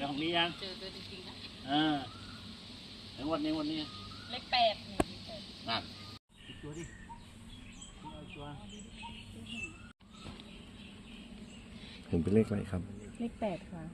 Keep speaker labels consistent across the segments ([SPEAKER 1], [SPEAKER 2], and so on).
[SPEAKER 1] เป็นของนี้ยัง
[SPEAKER 2] เจอตัวจริงๆนะ
[SPEAKER 1] แล้ววันนี้
[SPEAKER 2] เลข 8นี่
[SPEAKER 1] นั่นตัวดิเอาตัว
[SPEAKER 3] เห็นเป็นเลขอะไรครับ
[SPEAKER 2] เลข 8ค่ะ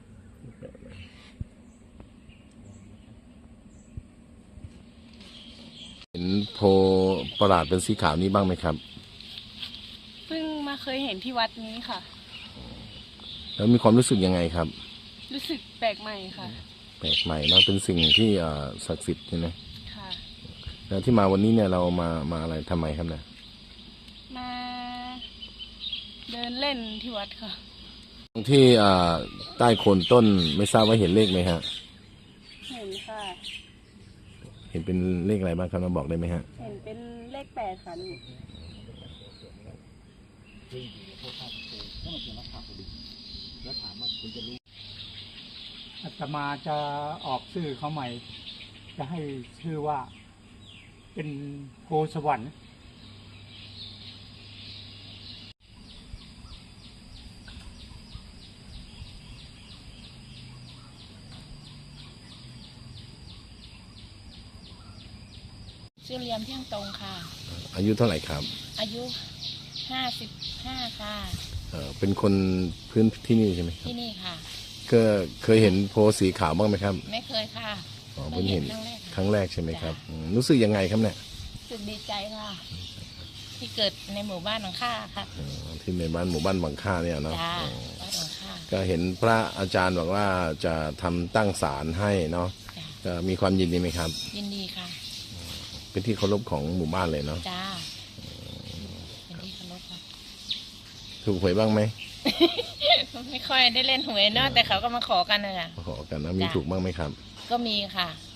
[SPEAKER 3] เห็นโพประหลาดเป็นสีขาวนี้บ้างไหมครับ
[SPEAKER 2] เพิ่งมาเคยเห็นที่วัดนี้ค่ะ
[SPEAKER 3] แล้วมีความรู้สึกยังไงครับ
[SPEAKER 2] รู้สึกแปลกใหม่ค่ะ
[SPEAKER 3] แปลกใหม่เนาะเป็นสิ่งที่ศักดิ์สิทธิ์ใช่ไหม
[SPEAKER 2] ค่ะ
[SPEAKER 3] แล้วที่มาวันนี้เนี่ยเรามาอะไรทำไมครับเนี่ย
[SPEAKER 2] มาเดินเล่นที่วัดค่ะ
[SPEAKER 3] ที่ใต้โคนต้นไม่ทราบว่าเห็นเลขไหมฮะ
[SPEAKER 2] เห็นค่ะ
[SPEAKER 3] เห็นเป็นเลขอะไรบ้างครับมาบอกได้ไหมฮะ
[SPEAKER 2] เห็นเป็นเลข 8ค่ะนี่
[SPEAKER 4] อาตมาจะออกชื่อเขาใหม่จะให้ชื่อว่าเป็นโพสวรรค์
[SPEAKER 2] ชื่อเรียมเที่ยงตรงค่ะ
[SPEAKER 3] อายุเท่าไหร่ครับ
[SPEAKER 2] อายุ55ค่ะ
[SPEAKER 3] เป็นคนพื้นที่นี่ใช่ไหมครับ
[SPEAKER 2] ที่นี่ค่ะ
[SPEAKER 3] ก็เคยเห็นโพสีขาวบ้างไหมครับ
[SPEAKER 2] ไม่เคยค่ะ
[SPEAKER 3] เพิ่งเห็นครั้งแรกใช่ไหมครับรู้สึกยังไงครับเนี่ย
[SPEAKER 2] รู้สึกดีใจค่ะที่เกิดในหมู่บ้านของข้าค่ะ
[SPEAKER 3] ที่ในหมู่บ้านบางค่าเนี่ยเนาะก็เห็นพระอาจารย์บอกว่าจะทำตั้งศาลให้เนาะจะมีความยินดีไหมครับ
[SPEAKER 2] ยินดีค่ะ
[SPEAKER 3] เป็นที่เคารพของหมู่บ้านเลยเนาะ
[SPEAKER 2] จ้าเป็นที่เคารพค่ะ
[SPEAKER 3] ถูกหวยบ้างไหม
[SPEAKER 2] ไม่ค่อยได้เล่นหวยเนาะแต่เขาก็มาขอกันเลยอ่ะ
[SPEAKER 3] ขอกันนะมีถูกบ้างไหมครับ
[SPEAKER 2] ก็มีค่ะ